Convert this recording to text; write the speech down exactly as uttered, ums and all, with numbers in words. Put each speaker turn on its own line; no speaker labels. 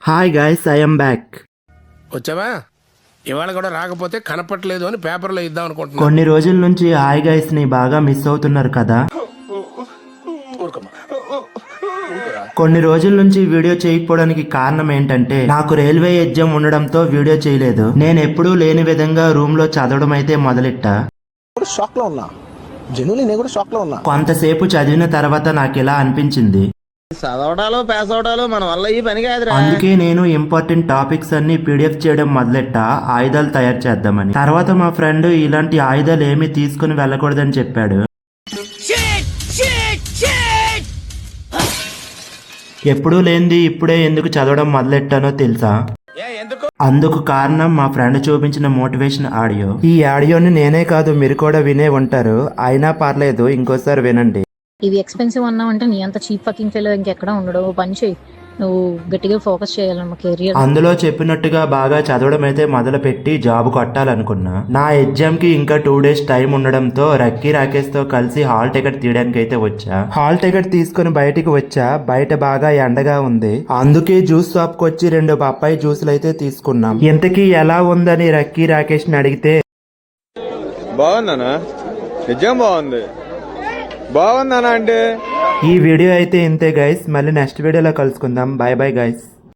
Hi guys, I am back.
వచ్చావా? ఇవాళ కూడా రాకపోతే కనపట్లేదు అని పేపర్లో ఇద్దాం అనుకుంటున్నా.
కొన్ని రోజుల నుంచి హాయ్ గైస్ ని బాగా మిస్ అవుతున్నారు కదా. కొన్ని రోజుల నుంచి వీడియో చేయకపోవడానికి కారణం ఏంటంటే నాకు రైల్వే ఎగ్జామ్ ఉండడంతో వీడియో చేయలేదు. నేను ఎప్పుడూ లేని విధంగా రూమ్ లో చదవడం అయితే మొదలెట్టా.
షాక్ లో ఉన్నా, జెన్యున్లీ నేను కూడా షాక్ లో ఉన్నా.
కొంతసేపు చదివిన తర్వాత నాకు ఇలా అనిపించింది,
చదవడాలు పాస్ అవడాలు మన వల్ల ఈ పని కాదురా.
అందుకే నేను ఇంపార్టెంట్ టాపిక్స్ అన్ని పీడిఎఫ్ చేయడం మొదలెట్టా, ఆయుధాలు తయారు చేద్దామని. తర్వాత మా ఫ్రెండ్ ఇలాంటి ఆయుధాలు ఏమీ తీసుకుని వెళ్ళకూడదని చెప్పాడు. ఎప్పుడూ లేనిది ఇప్పుడే ఎందుకు చదవడం మొదలెట్టానో తెలుసా? అందుకు కారణం మా ఫ్రెండ్ చూపించిన మోటివేషన్ ఆడియో. ఈ ఆడియోని నేనే కాదు మీరు కూడా వినే ఉంటారు, అయినా పర్లేదు ఇంకోసారి వినండి.
ఇవి ఎక్స్పెన్సివ్ అన్నావంటే నీ అంత చీప్ ఫకింగ్ ఫెలో ఇంకెక్కడ ఉండడు. పని చేయి, నువ్వు గట్టిగా ఫోకస్ చేయాలన్న కెరియర్.
అందులో చెప్పినట్టుగా బాగా చదవడం అయితే మొదలు పెట్టి జాబ్ కొట్టాలనుకున్నా. నా ఎగ్జామ్ కి ఇంకా టూ డేస్ టైం ఉండడంతో రక్కీ రాకేష్ తో కలిసి హాల్ టికెట్ తీయడానికి అయితే వచ్చా. హాల్ టికెట్ తీసుకుని బయటికి వచ్చా. బయట బాగా ఎండగా ఉంది, అందుకే జ్యూస్ షాప్ కి వచ్చి రెండు బొప్పాయి జ్యూసులు అయితే తీసుకున్నాం. ఇంతకీ ఎలా ఉందని రక్కీ రాకేష్ ని అడిగితే,
బాగుందనా, నిజం బాగుంది, బాగుందనా అంటే.
ఈ వీడియో అయితే ఇంతే గైస్, మళ్ళీ నెక్స్ట్ వీడియోలో కలుసుకుందాం. Bye bye guys.